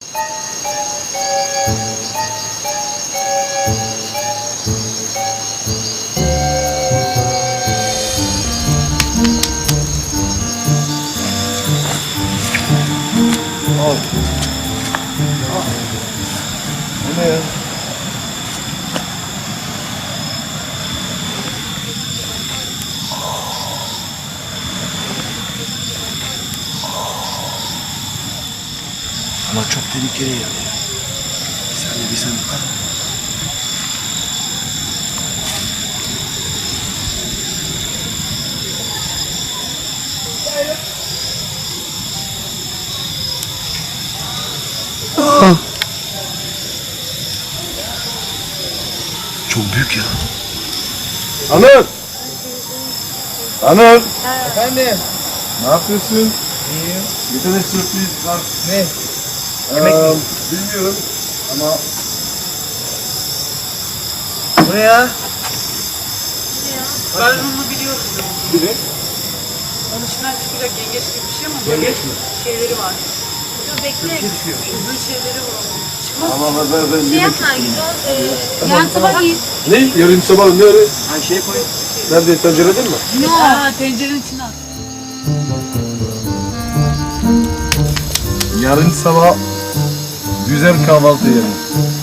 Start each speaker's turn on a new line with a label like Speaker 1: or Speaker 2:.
Speaker 1: Al. Bu ne ya? Ama çok tehlikeli yani. Bir saniye. Çok büyük ya. Anıl! Anıl!
Speaker 2: Efendim?
Speaker 1: Ne yapıyorsun?
Speaker 2: İyiyim.
Speaker 1: Bir tane sürpriz var.
Speaker 2: Ne? Yemek mi?
Speaker 1: Bilmiyorum ama...
Speaker 2: Bu ne ya?
Speaker 3: Ben onu biliyorum.
Speaker 1: Bir de
Speaker 3: Onun içinden çıkacak yengeç gibi bir şey ama
Speaker 1: yengeç mi?
Speaker 3: şeyleri var.
Speaker 4: Dur bekle.
Speaker 3: Uzun şeyleri var. Çıkmaz.
Speaker 1: Ama ben
Speaker 4: Şey
Speaker 1: yemek...
Speaker 4: yapma yan tabak yiyin.
Speaker 1: Ne? Yarın sabah ne öyle?
Speaker 2: Ha şey koy.
Speaker 1: Nerede? Tencerede mi?
Speaker 3: Aa, tencerenin içine at.
Speaker 1: Yarın sabah güzel kahvaltı yiyelim.